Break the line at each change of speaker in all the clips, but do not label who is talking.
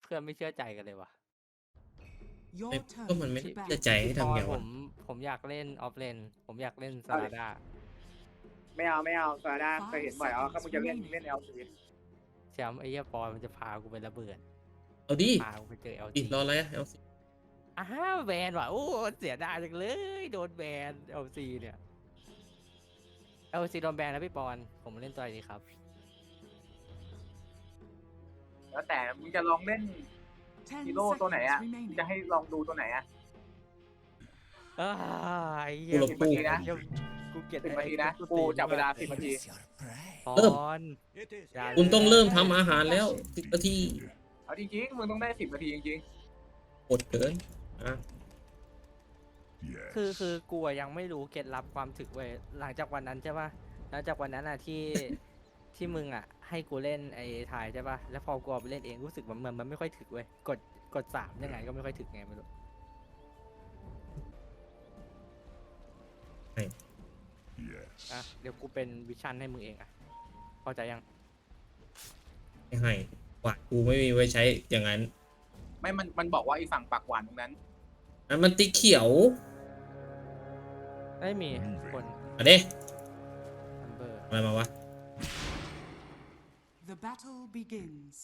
เพื่อนไม่เชื่อใจกันเลยวะ
ก็มันไม่เชื่อใจให้ทำไง
ผ
วะ
ผมอยากเล่นออฟเลนผมอยากเล่นซาลาดา
ไม่เอาซาด้าเคยเห็นบ่อยอ๋อก็มึงจะเล่นเอลซี
แชมป์ไอ้เหี้ยปอนมันจะพากูไประเบิด
เอาดิ
พากูไปเจอเอล
อี
ซี
กรออะไรอะเอาสิ
แบนว่ะโอ้เสียดายจังเลยโดนแบนเอลซีเนี่ยเอลซีโดนแบนแล้วพี่ปอนผมเล่นตัวอะไรดีครับ
แล้วแต่มึงจะลองเล่นฮีโร่ตัวไหนอ่ะจะให้ลองดูตัวไหนอ่ะ
ไอ้เหี้
กู
ย
หลบ
10
ตู้
นาทีนะ
กูเกลียด
10 นาทีนะกูจับเวลา10 นาที
ปอนอย่า
คุณต้องเริ่มทำอาหารแล้ว10 นาที
เอาจริงๆมึงต้องได้10 นาทีจริง
อดเกินอ่ะ
คือกูอะยังไม่รู้เคล็ดลับความถึกเว้ยหลังจากวันนั้นใช่ป่ะหลังจากวันนั้นอะที่มึงอะให้กูเล่นไอ้ถ่ายใช่ป่ะแล้วพอกูเอาไปเล่นเองรู้สึกมันไม่ค่อยถึกเว้ยกด3ยังไงก็ไม่ค่อยถึกไงไม่รู้ อ่ะเดี๋ยวกูเป็นวิชั่นให้มึงเองอ่ะเข้าใจยัง
ไม่ให้หวานกูไม่มีไว้ใช้อย่างนั้น
ๆไม่มันบอกว่าไอ้ฝั่งปากหวานตรงนั้น
อันมันติ๊กเขียว
ไม่มีคน
อ่ะเด้
อัมเบอร์
อะไรมาวะ
The battle begins.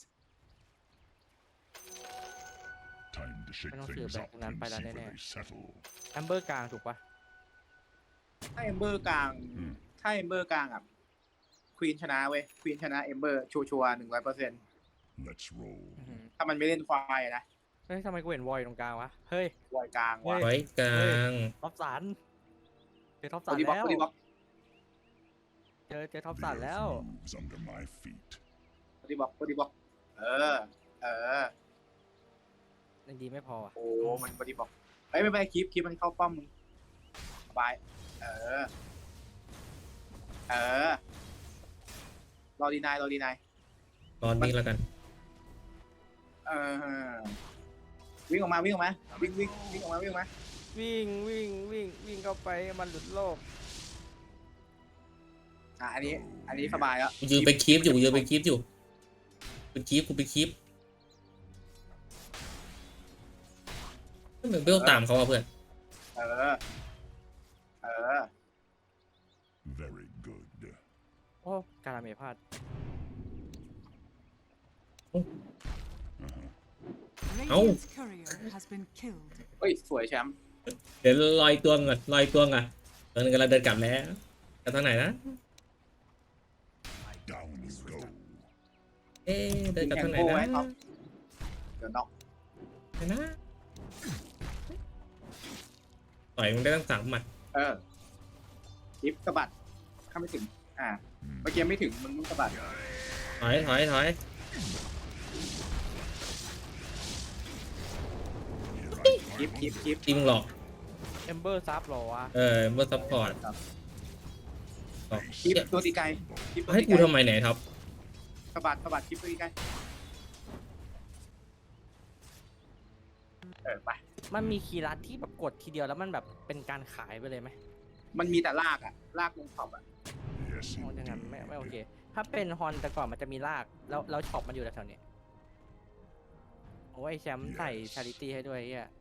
ไม่ต้องสืบแบบนั้นไปแล้วแน่ๆอัมเบอร์กลางถูกปะ
ถ้าเอมเบอร์กลางอ่ะควีนชนะเว้ยควีนชนะเอมเบอร์ชัวร์100%ถ้ามันไม่เล่นควายนะ
เฮ้ยทำไมกูเห็นวอยตรงกลางวะเฮ้ย
ควายกลางว่ะ
ไว้กลาง
ท็อปสันเจอท็อป
บ
สั
อน ดี้บล็อก
แล้ว
บอดี้บล็อก
เจอท็อปสันแล้ว
บอดี้บล็อกบอดี้บล็อกเออ
ยังดีไม่พออ่ะ
โอ้มันบอดี้บล็อกเฮ้ยไม่เป็นไรคลิปมันเข้าป้อมมึงสบายรอดีนาย
รอนนี้แล้วกัน
วิ่งออกมาวิ่งออกมาวิ่งออกมา
วิ่งเข้าไปมันหลุดโลก
อันนี้สบายแล้ว
กูยืนไปคลิปอยู่เป็นคลิปกูไปคลิปไม่เหมือนเบลตามเขาอ่ะเพื่อน
Very good.
โอ้การาเมพลาด
Radiant's courier has been killed.
เฮ้ยสวยแชมป์
เดี๋ยวลอยตัวก่อนตัวนึงกำลังเดินกลับแล้วกลับทางไหนนะ
Down you go.
เดินกลับทางไหนนะ
เดี๋ยวน็อก
ไหนนะต่อยมึงได้ตั้ง3 หมัด
คลิปสะบัดเข้าไม่ถึงเมื่อกี้ไม่ถึงมึงสะบัด
ถอย
คลิป
จริงหรอก
เอมเบอร์ซับหรอวะ
เมื่อซัพพอร์ต
คลิปตัวตีไกลคลิปตัว
ให้
ตี
กู
ไกล
ทำไมไหนท็อป
สะบัดคลิปตัวตีไกลไป
มันมีคีย์ลัดที่แบบกดทีเดียวแล้วมันแบบเป็นการขายไปเลยไหม
มันมีแต่ลากลากลงท็อป
Yes,
อ๋ออย่างนั้น
indeed.
ไม่โอเค ถ้าเป็นฮอนแต่ก่อนมันจะมีลากแล้วช็อปมันอยู่แถวๆนี้โอ้ยแชมป์ใส่ชาริตี้ให้ด้วยเฮีย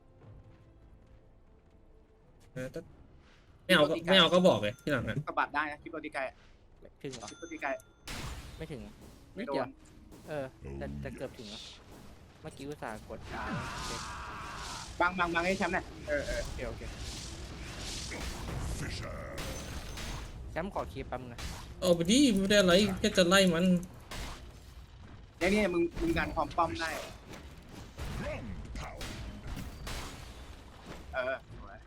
ไม่เอาก็บอกเลยที่หลังนะ
สะบัดได้นะคลิปตัวตีไกล
ถึงเหรอ
คลิปตัวตีไกล
ไม่ถึง
ไม่
นิด
โด
เดียวน แต่เกือบถึงแล้วเมื่อกี้อุตส่าห์กด
บางให้แชมป์หน่อย
โอเค
Fisher.
แชมป์ขอคีย์แป๊บนึงนะ
เอาไปดิไม่ได้อะไรแค่จะไล่มัน
เนี่ยมึงดันความป้อมได้
Ground pound.
สวย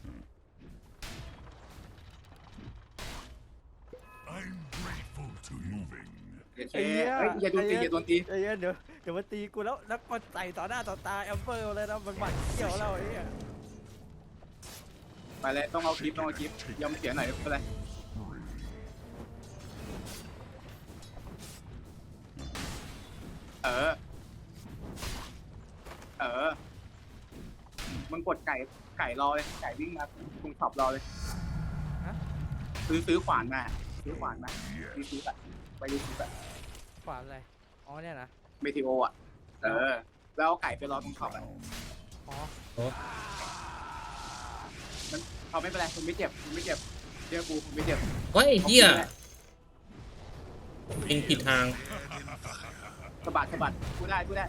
I'm grateful to moving.
อย่าโดนตี
เดี๋ยวมาตีกูแล้วมาใส่ต่อหน้าต่อตาแอมเบอร์เลยนะมันบัดเกี่ยวเราไอ้เหี้ย
ไปเลยต้องเอาคลิปยอมเสียหน่อยไม่เป็นไรมึงกดไก่รอเลยไก่วิ่งมาตรงช็อปรอเลยซื้อขวานมาซื้อไปดูซื้อ
ขวานอะไรอ๋อเนี่ยนะ
เมทิโอแล้วไก่ไปรอตรงขอบอะ
อ๋อ
เขาไม่เป็นไรคุณไม่เจ็บคุณไม่เจ็บเชื่อกูคุณไม่เจ็บ
เฮ้ยเฮียเป็นผิดทาง
สะบัดสะบัดกูได้กูได้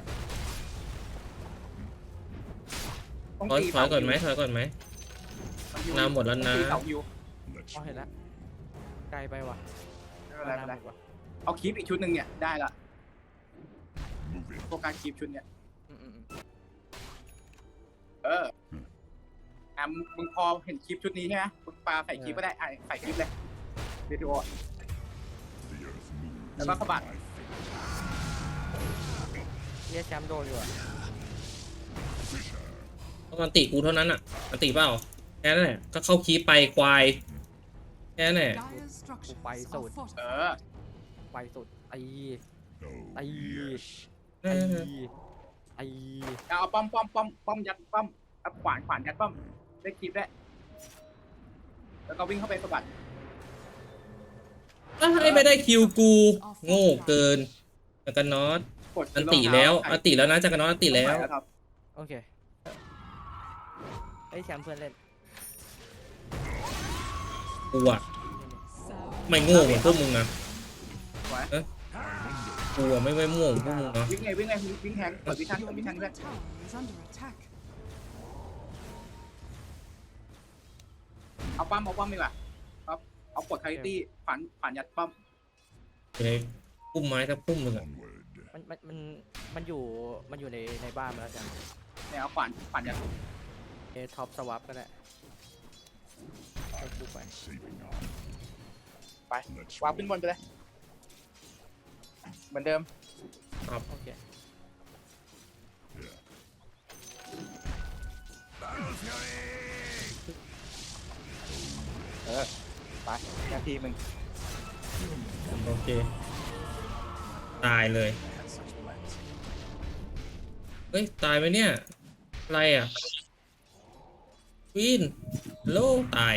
ต้อง
ถอย
ตี
ถอยก่อนไหมถอยก่อนไหม
เสาฮิว
น้ำหมดแล้วนะ
ต้องตีเสาฮิว
Let's
อ๋อเห็นแล้วไกลไปว่ะ
ไม่เป็นไรไม่เป็นไร
หมดว่ะ
เอาคลิปอีกชุดหนึ่งเนี่ยได้ละ
move it.
โฟกัสคลิปชุดเนี่ย
อืม
เออมึงพอเห็นคลิปชุดนี้ใช่ไหมมึงปาใส่คลิปก็ได้ใส่คลิปเลยวิดีโอ
The earth moves.
แล้วก็สะบัด
My fate.
เฮียแชมป์โดนอยู่อ่ะ
Fissure.
ต้องอันติกูเท่านั้นอ่ะอันติเปล่าแค่นั้นแหละก็เข้าคีปไปควายแค่นั้นแหละ
Dire's structures
Bay
are
sụt.
เอ
fortified.
อ
ไวสุดไอ้
Oh,
Ay.
yes.
ไอ้ไอ้
เอาป้อมยัดป้อมเอาขวานยัดป้อมได้คลิปได้แล้วก็วิ่งเข้าไปสะบัด
ให้ไม่ได้คิวกู โง่เกินจักรนอต
กด
อันติแล้วอันติแล้วนะจักรนอตอันติแล้ว
ครับ
โอเคไอ้แชมป์เพื่อนเล่น
กูอะ
So
ไม่โง่เหมือนพวกมึงอะ
สวย
กูอะไม่โง่เหมือนพวกมึงเนาะ
วิ่งแทงกดวิชั่น
your
เพื่อน
middle tower is under attack.
เอาป้อมดีกว่าครับเอากดคาริตี้ฝันยัดป้อม
อยู่ในพุ่มไม้สักพุ่มหนึ่งอะ
Onward.
มันอยู่ในบ้านมาแล้วจัง
เนี่ยเอาฝันยัด
ท็อปสวับก็ได้ให้กูไป
Saving arm.
ไป
Let's
วางขึ้นบนไปเลยเหมือนเดิม
โอเค
Yeah.
ไปนาทีมึง
โอเคตายเลยเฮ้ยตายไหมเนี่ยอะไรอ่ะวินโลตาย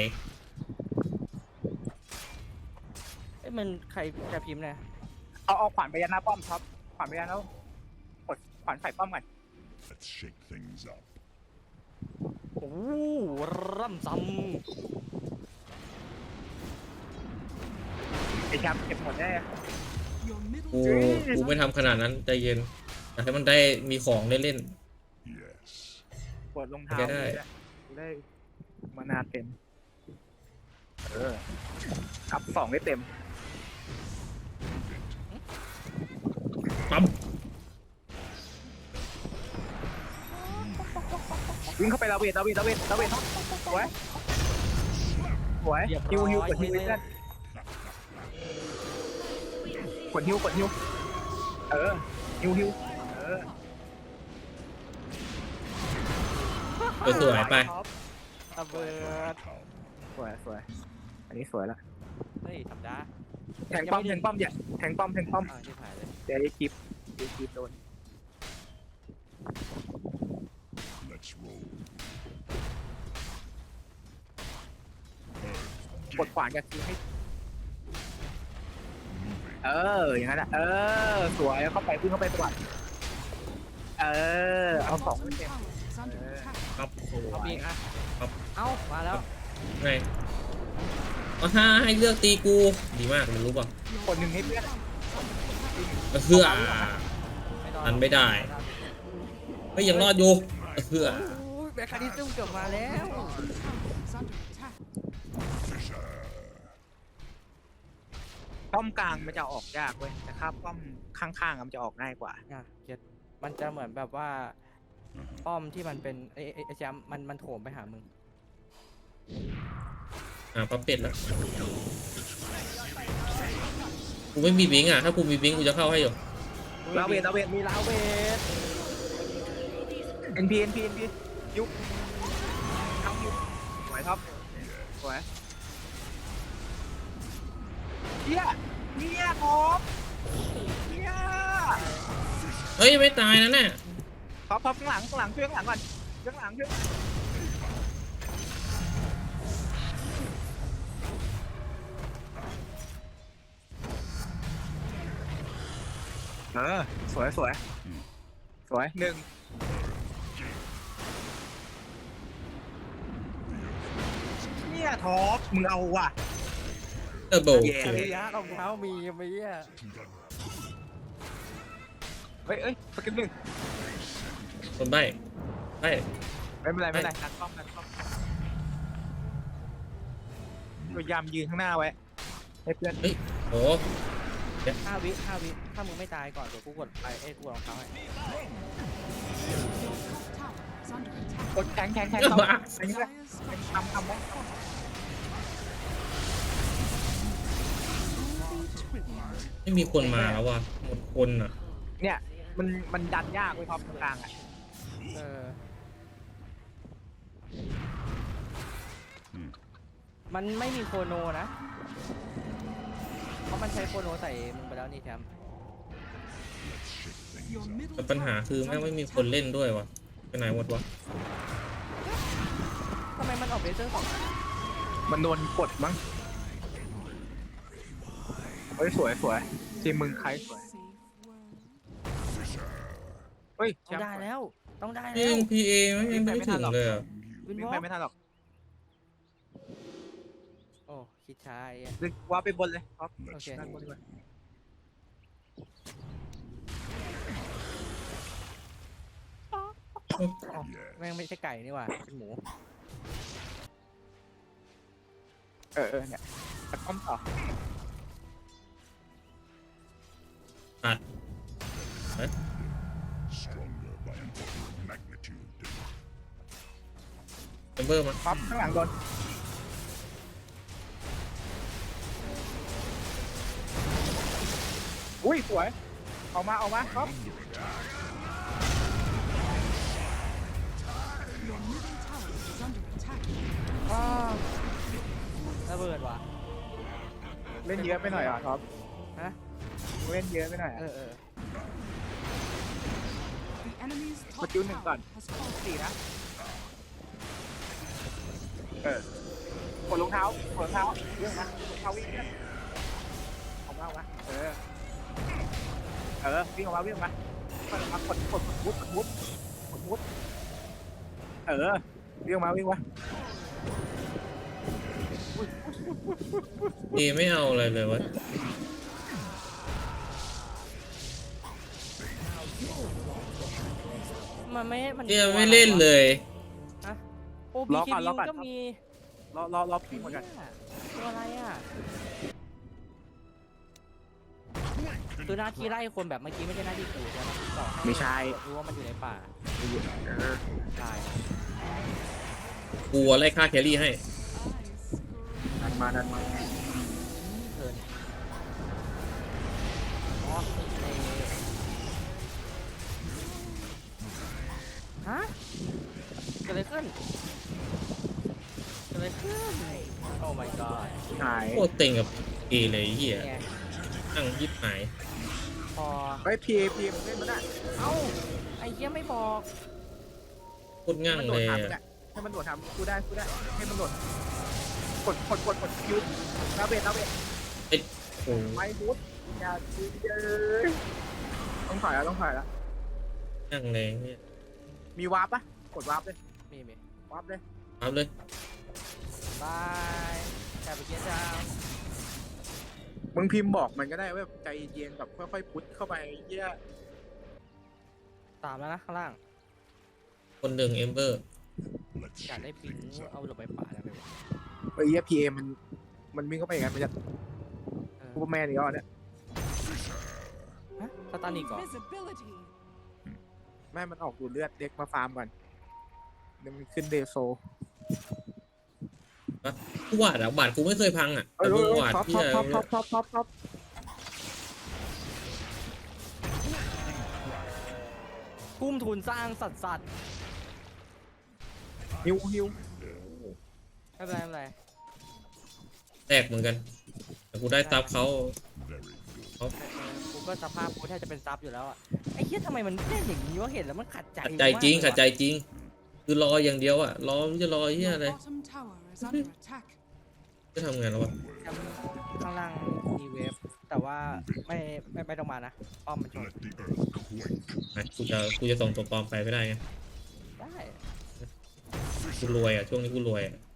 เอ้ยมันใครจะพิมพ์นะ
เอาขวานไปยัดหน้าป้อมครับขวานไปยัดแล้วกดขวานใส่ป้อมก่อน
Let's shake things up.
โอ้ร่ำซ้
ไอ้แชมป์เก็บหมดได้
Your middle
กู
tower
กูไม่ทำขนาดนั้นใจเย็นอยากให้มันได้มีของได้เล่น
Yes.
กดรองเท้า
ได้
ได้มานาเต็มอัพ2ได้เต็ม
ปั๊ม
วิ่งเข้าไปลาเวทสวยฮิวกดฮิวเพื่อนกดฮิวฮิว
สวยๆไป
ำระเบิด
Come.
สวยอันนี้สวยละ
เฮ้ยธรรมดา
แทงป้อมอย่าแทงป้อม
อ่าที่ผ่านเลย
เดี๋ยวได้คลิปโดน
Let's roll.
กดขวานกับคิวให้
Moving.
อย่างนั้นสวยเข้าไปวิ่งเข้าไปสวัสดเอา
Your
สอง
bottom
เต็ม
tower is under attack.
ครับ
เอาอีกอ่ะ
ครับ
เอ้ามาแล้ว
ไงเอาห้าให้เลือกตีกูดีมากมันรู้ป่ะ
Your
คนหนึ่งให้เพื่อน
เพื่อ
ไม่รอด
ทันไม่ได้เฮ้ยยังรอดอยู่เพื่อ
โอ้ยแบคคาริซึมเกือบมาแล้ว
tower is under attack.
Fissure.
ป้อมกลางมันจะออกยากเว้ยแต่ถ้าป้อมข้างๆมันจะออกง่ายกว่า
อ่ะเก็ตมันจะเหมือนแบบว่าป้อมที่มันเป็นไอ้แชมป์มันโถมไปหามึง
ปั๊บเป็ดแล้วกูไม่มีบิงอ่ะถ้ากูมีบิงกูจะเข้าให้อยู่
ลาเวท
มีลาเวท
NP ยุบทั้งยุบสวยครับสวยเฮียครับเฮีย
เฮ้ยไม่ตายนะเนี่ย
พับข้างหลังช่วยข้างหลังก่อนช่วยข้างหลังช่วยสวยสวยหนึ่ง เนี่ยท็อปมึงเอาว่ะ
เตอร์โบ
แย่
ระยะรองเท้ามีไหมอ่ะ
เฮ้ยสกิลหนึ่ง
คนใบ้ใบ้
ไม่เป็นไรนัดกล้องพยายามยืนข้างหน้าไว้ให้เพื่อน
โอ้
5 วิถ้ามึงไม่ตายก่อนเดี๋ยวกูกดไปกูกดรองเท้าให้
Your top tower is under attack.
กดแข็งทำอันนี้แหละ
Dire's structures
ทำไว้
ไม่มีคนมาแล้วว่ะหมดคนอ่ะ
เนี่ยมันดันยากไว้ท็อปตรงกลางอ่ะ
เออมันไม่มีโคโนนะ เพราะมันใช้โคโนใส่มึงไปแล้วนี่แทม
Your middle
แต่ปัญหา
tower
คือ
is
แม่ง
under
ไม่มี
attack.
คนเล่นด้วยว่ะไปไหนหมดวะ
ทำไมมันออกเบเซอร์2
มันโดนกดมั้งเฮ้ยสวยทีมมึงใครสวย
Safe word.
เฮ้ย
ต้องได้แล้ว ต้องได้
เอ
แล้ว
งพีเอไม่ถึงเลยอ่ะ
วิน
วิ่ง
วอ
ไป
ล์ก
ไม่ทันหรอก
โอ้คิดช้าไอ้
ดึงว่าไปบนเลยท็อป
โอเค
ด้านบนดีกว่า
แม่งไม่ใช่ไก่นี่หว่าเป็นหมู
เนี่ยตัดป้อมต่อ
Stronger by an order of magnitude.
เอมเบอร์มา
ท็อปข้างหลังโดนอุ้ยสวยออกมาท็อป
Your middle tower is under attack.
อ้าวระเบิดว่ะ
เล่นเยอะไปหน่อยท็อป
ฮะ
เล่นเยอะไปหน่อย
เออ
The enemy's top
But you need
tower
gun.
has fallen.
สี่นะกดรองเท้าเรื่องนะรองเท้าวิ่งเนี่ยออกมาวิ่งออกมาวิ่งออกมากดมุดวิ่งออกมา
เอไม่เอาอะไรเลยวะ
มันมัน
เอไม่เล่นเลย
ฮะโอ้บีเคบิวก็มี
รอพี่หมดกัน
ตัวอะไรอ่ะคือหน้าที่ไล่คนแบบเมื่อกี้ไม่ใช่หน้าที่กูใช่ไหมต่อ
ไม่ใช่
รู้ว่ามันอยู่ในป่าใช่
กูไล่ฆ่าแครี่ให้
ดันมา
เพลินอ๋อฮะเกิดอะไรขึ้นโอ้ my god
หาย
โคตรเต็งกับเอเลยไอ้เหี้ย
เนี่ย
นั่งยิบหาย
พอ
เฮ้ยพีมันเล่นมันอ่ะ
เอ้าไอ้เหี้ยไม่บอก
โคตรง่าง
มันโด
เล
ด
ย
ทำ
อะ
เนี่ยให้มันโดดทำกูได้ให้มันโดดกดคิวลาเวท
โอ้
ไม่บูทอย่าดีเลยต้องถอยแล้ว
ง่างเลยเนี่ย
มีวาร์ปปะกดวาร์ปเลย
มี
วาร์ปเลย
เอาเลย
บายแอบไปเกียร์จ้า
มึงพิมพ์บอกมันก็ได้ว่าใจเย็นแบบค่อยๆพุทเข้าไปเยี่ย
ตามแล้วนะข้างล่าง
คนหนึ่งเอมเบอร์
Let's
อยากได้
shake
ปิง
things up.
เอาหลบไปป่าได้ไหมวะ
ไอ้เยี่ยพีเอมันวิ่งเข้าไปอย่างนั้นมันจะ
เออ
ซูเปอร์แมนอีกแล้วเนี่ย
ฮะสตาร์นิกก่อน
Invisibility.
แม่มันออกดูดเลือดเด็กมาฟาร์มก่อนเดี๋ยวมันขึ้นเดโซ
กูวาดอะบาดกูไม่เคยพังอะแต่มึงวาด
ท็อป
ที่อะไร
ท็อป
กุ้มทุนสร้างสัตว์
ฮิว
ไม่เป็นไร
แตกเหมือนกัน แต่กูได้ซับเขา
Very good.
กูก็สภาพกูแทบจะเป็นซับอยู่แล้วอ่ะไอ้เหี้ยทำไมมันเล่นอย่างนี้วะเห็นแล้วมันขัดใจ
ขัดใจจริง
มากเลย
ขัดใจจริง คือรออย่างเดียวอะรอมันจะรอเหี้ย
Your
อะไร
bottom tower is under attack.
จะทำไงแล้ววะ
แชมป์ข้างล่างอีเวฟแต่ว่าไม่ต้องมานะป้อมมันชน
Let the earth quake.
ไหนกูจะส่งตัวปลอมไปไม่ได้ไง
ได้
กูรวยอ่ะช่วงนี้กูรวยอ่ะ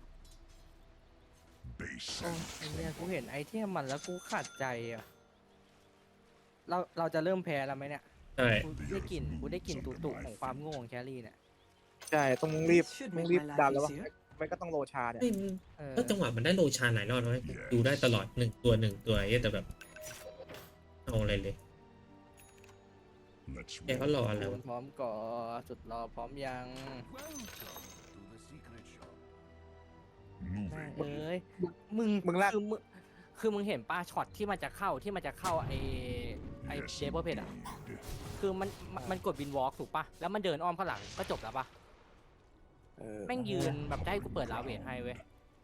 Base
โอ้
and
ไอ้เนี่ยกูเห็นไอเทมมันแล้วกูขาดใจอ่ะเราจะเริ่มแพ้แล้วไหมเนี่ย
ใช่
กูได้กลิ่นตุของความโง่ของแครี่เนี่ย
ใช่ต้องรีบดันแล้ววะไม่ก็ต้องโรชาเนี่ย
เฮ้ย
เออ
แล้วจังหวะมันได้โลชานหลายรอบแล้วดูได้ตลอดหนึ่งตัวไอ้เหี้ยแต่แบบเอาอะไรเลย
let's
แกก็รออะไรวะ
พร้อมก่อสุดรอพร้อมยัง แม่ง
moving.
เอ้ยมึงลากคือมึงเห็นป้าช็อตที่มันจะเข้าไอเดเบอร์เพดอ่ะ คือมันกดวินวอล์กถูกปะแล้วมันเดินอ้อมข้างหลังก็จบแล้วปะแม่งยืนแบบจะให้กูเปิดลาเวทให้เว้ย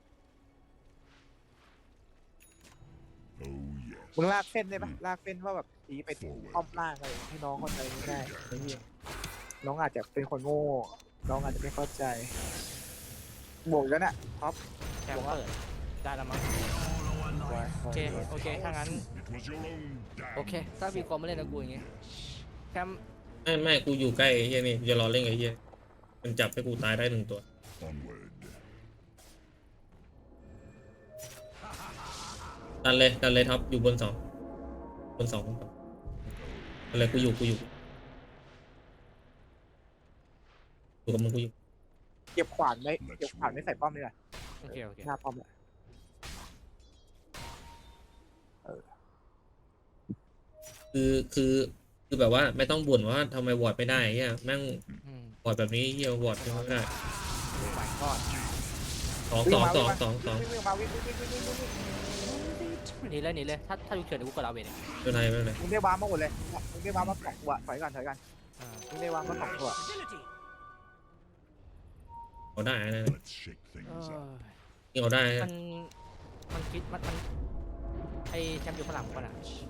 Oh yes.
มึงลากเส้นได้ปะลากเส้นว่าแบบตีไปอ้อมล่างอะไรให้น้องเข้าใจง่ายๆน้องอาจจะเป็นคนโง่ น้องอาจจะไม่เข้าใจบวกแล้วน่ะท็อป
แชมป์เปิดได้แล้วมั้งโอเคถ้างั้น
It was your own damn
โอเค ถ้ามีคอมมาเล่นกับกูอย่างงี้แชมป์
ไม่กูอยู่ใกล้ไอ้เหี้ยนี่กูจะรอเล่นกับไอ้เหี้ยมันจับให้กูตายได้หนึ่งตัว
onward.
ดันเลยท็อปอยู่บนสองอะไรกูอยู่อยู่กับมึงกูอยู่
เก็บขวานไม่ใส่ป้อมเลยอ่ะ
โอเค
หน้าป้อมอ่ะ
คือแบบว่าไม่ต้องบ่นว่าทำไมวอร์ดไม่ได้เฮียแม่ง
อืม
วอร์ดแบบนี้เฮียวอร์ดไม่ได้
ไปก่อน
สอง
วิ่งมา
หนีเลยถ้าดูเฉินเดี๋ยวกูกดลาเวทเอง
ไม่เป็นไร
มึงได้วาร์ปมาหมดเลยมึงได้วาร์ปมา2ตัวถอยกัน
อ่า
มึงได้วาร์ปมา2ตัว
เอาได้นะ
Let's shake
เอ
things up.
อ
นี่เอาได้
มันคิดมันไอแชมป์อยู่ข้างหลังก่อนอ่ะ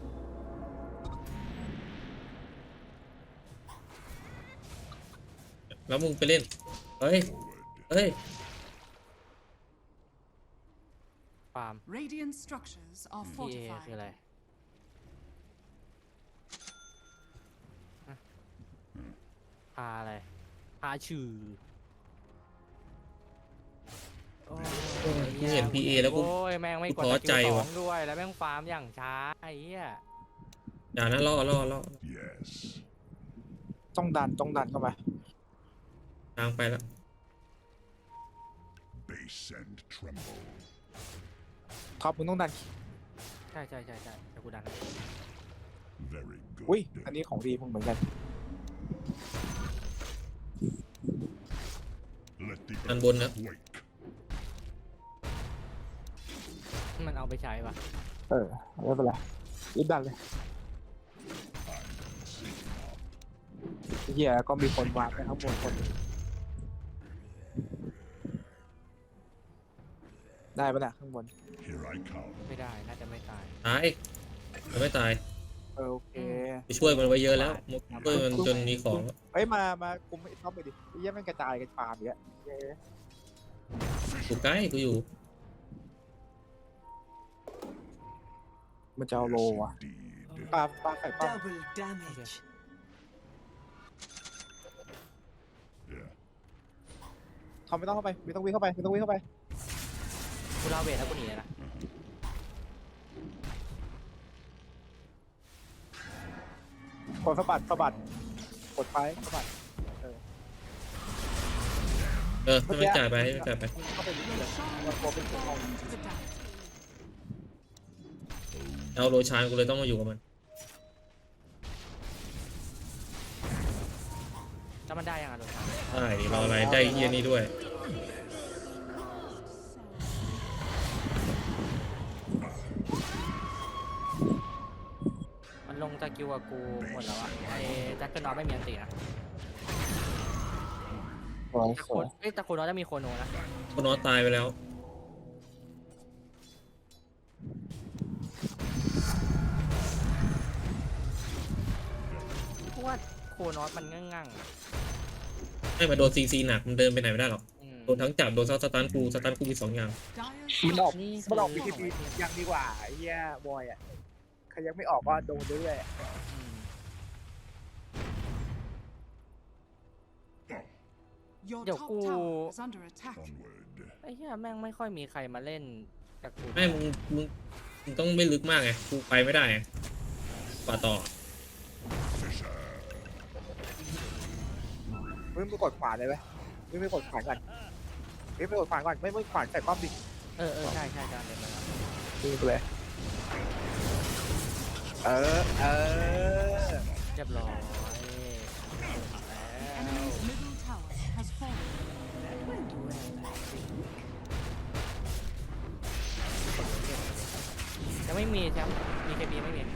แล้วมึงไปเล่นเฮ้ย
ฟาร์ม
Radiant structures are
พีเอคือ
fortified.
อะไรฮะพาอะไรพาชื่อโอ้ย
กูเห็น PA แล้วกู
โอ้ยแม่งไม่กด
ท้อ
สกิ
ใจ
ลสอ
ว่ะ
งด้วยแล้วแม่งฟาร์มอย่างช้าไอ้เหี้ย
อย่านะล่อ
Yes.
ต้องดันเข้ามา
ทางไปแล้ว
Base and tremble.
ท็อปมึงต้องดัน
ใช่เดี๋ยวกูดันให้
Very good.
อุ้ยอันนี้ของดีมึงเหมือนกัน
Let the
อัน
earth
บนนะ
quake.
มันเอาไปใช้ปะ
ไม่เป็นไรรีบดันเลยเหี้ยก็มีคนวางไปข้างบนคนได้ปะน่ะข้างบน
Here I come.
ไม่ได้น่าจะไม่ตาย
ตายมันไม่ตาย
โอเค
ไปช่วยมันไว้เยอะแล้วช่วยมันจนมีของ
เฮ้ยมาคุมไอ้ท็อปไปดิไอ้เหี้ยแม่งกระจายกันฟาร์มอย่างเงี้ย
กูใกล้กูอยู่
มันจะเอาโล
Yes,
อ่ะ
indeed.
ปลาใส่ป้อม
Double damage.
Yeah.
เขาไม่ต้องเข้าไปไม่ต้องวิ่งเข้าไป
กูลาเวทแล้วกูหนีเลยนะ
กดสะบัดกดไปสะบัด
ให้มันจ่ายไป
เข้าไปเรื่อยๆมันโคเป็นตัว
Into the dark.
เอาโรชานกูเลยต้องมาอยู่กับมัน
แล้วมันได้ยังอ่ะโดนทาง
ได้ดิรออะไรได้เฮียนี่ด้วย
มันลงตะกิวกับกูหมดแล้วอ่ะไอ้แจ็คเกอร์นอตไม่มีอันตีนะ แต่โคนอตจะมีโคโนนะ
คนนอตายไปแล้ว
เพราะว่าโคนอตมันงั่งๆอะ
ให้มาโดนซีหนักมันเดินไปไหนไม่ได้หรอก
อืม
โดนทั้งจับโดนสตันกูมี2 อย่าง
Dire
มันออก
นี่
มันออก
คือ
BKB ยังดีกว่าไอ้เหี้ยบอยอ่ะใครยังไม่ออกก็โดนเรื่อยๆอะ
อืม
Your
Yo,
top
ooh.
tower is under attack.
Onward.
ไอ้เหี้ยแม่งไม่ค่อยมีใครมาเล่นกับกู
ไม่มึงต้องไม่ลึกมากไงกูไปไม่ได้ไงป่าต่อ
มึงไปกดขวาเลยไหมมึงไปกดขวาก่อนมึงไปกดขวาก่อนไม่ขวาใส่ป้อมดิ
เออใช่การเล่นมาแล้ว
มึงไปเลยเออ
เรียบร้อย
The enemy's middle tower has fallen.
ยังไม่มีแชมป์มีเคบีไม่มี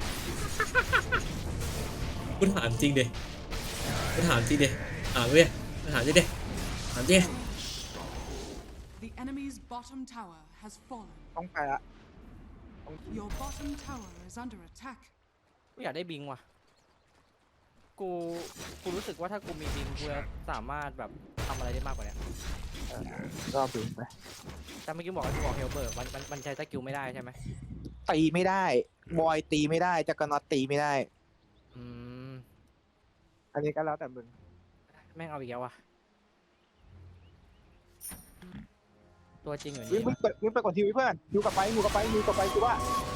กูถามจริงดิถามจริงดิถามดิถามดิถามดิ
The enemy's bottom tower has fallen.
ต้องไปละ
Your bottom tower is under attack.
กูอยากได้บิงว่ะกูรู้สึกว่าถ้ากูมีบิงกูจะสามารถแบบทำอะไรได้มากกว่านี้
ก็บินไป
แต่เมื่อกี้บอกว่ากูบอกเฮลเบิร์กมันใช้สกิลไม่ได้ใช่ไหม
ตีไม่ได้บอยตีไม่ได้จักรนอตตีไม่ได้
อืม
อันนี้ก็แล้วแต่มึง
แม่งเอาอีกแล้วว่ะตัวจริงอยู่
วิ่
นี่
งไปก่อนทีวีเพื่อนอยู่กับไปคือว่า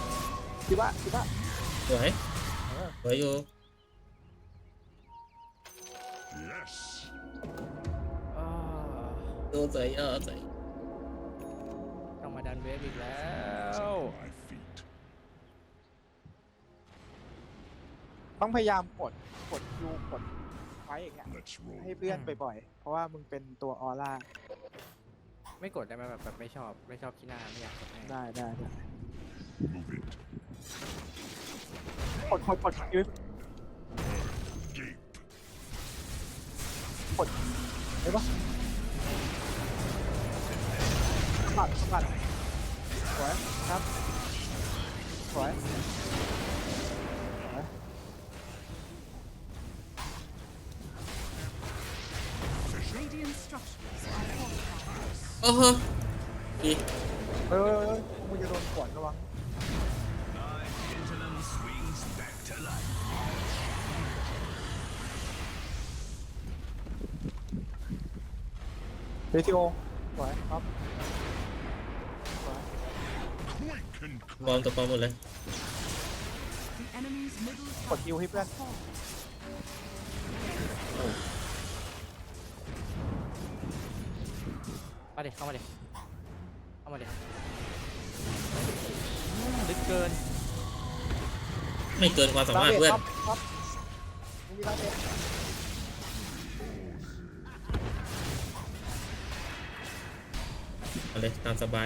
สวยสวยอยู่
Yes.
อ้าว
ดูสวยสวย
ต้องมาดันเวฟอีกแล้ว
My feet.
ต้องพยายามกดยูกดไฟอย่างเงี้ย
Let's roll.
ให้เพื่อนบ่อยๆเพราะว่ามึงเป็นตัวออร่า
ไม่กดได้ไหมแบบไม่ชอบขี้หน้าไม่อยากกดแม่ง
ได้
Move it.
กดยู
Gape.
ได้ปะสะบัดสวยครับสวย
Radiant structures are fortified.
โอ้โหดี
มึงจะโดนขวนระวังเรทิโอสวยครับสวย
Quick and
บอลตัวปลอมหมดเลย
The enemy's middle tower
กดฮิวให้เพื่อน
has fallen.
มาเด็เข้ามาเด็ลึกเกิน
ไม่เกินความสามารถเพื่อน
ครับมึงมีร้านเด็ด
เอาเลยตามสบาย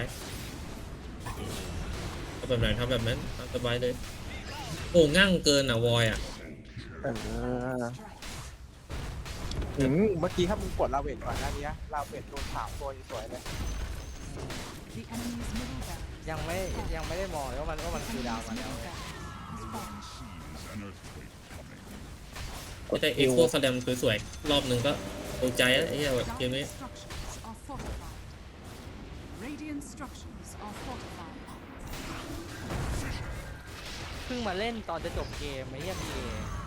เอาแบบไหนทำแบบนั้นตามสบายเลยโอ้ง่างเกินอ่ะวอยอ่ะ
เมื่อกี้ถ้ามึงกดลาเวทก่อนหน้านี้ลาเวทโดน3 ตัวสวยเลย
The enemy's middle barracks
ยังไม่ได้มองเลยว่ามันคือดาวมาแล้ว
middle barracks has fallen.
sees an earthquake coming.
ก็จะเอโคสแลมสวยๆรอบหนึ่งก็โอใจแล้วไอ้เหี้ยเกมนี้
Dire structures are fortified. Radiant structures are fortified.
เพิ่งมาเล่นตอนจะจบเกมไอ้เหี้ยพีเอ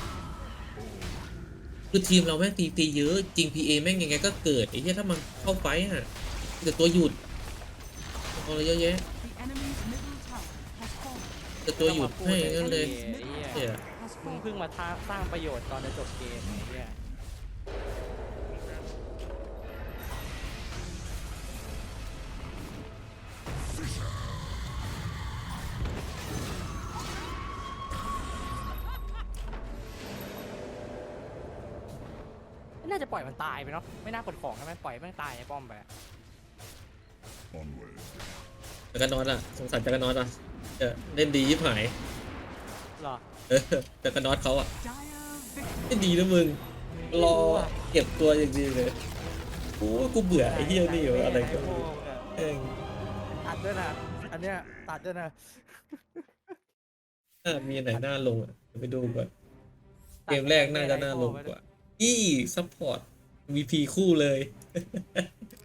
คือทีมเราแม่งตีเยอะจริง PA แม่งยังไงก็เกิดไอ้เหี้ยถ้ามันเข้าไฟอ่ะแต่ตัวหยุดเอาอะไรเยอะแยะ
The enemy's middle tower has fallen.
แต่ตัวหยุดให้งั้นเลย
ไอ้เหี้ย
เหี้ย
Has
มึง
fallen.
เพิ่งมาสร้างประโยชน์ตอนจะจบเกมไอ้เหี้ย น่าจะปล่อยมันตายไปเนาะไม่น่ากดของใช่ไหมปล่อยแม่งตายในป้อมไปอะ
Onward.
จักรนอตอ่ะสงสารจักรนอตอ่ะเล่นดียิบหาย
หรอ
จักรนอตเขาอ่ะ
Dire victory.
เล่นดีนะมึงรอเก็บตัวอย่างดีเลยโอ้ยกูเบื่อไอ้เหี้ยนี่อยู่อะไรก็ไม่รู้เอง
ตัดด้วยนะอันเนี้ยตัดด้วยนะ
มีอันไหนน่าลงอ่ะเดี๋ยวไปดูก่อนเกมแรกน่าจะน่าลงกว่าซัพพอร์ต VP คู่เลย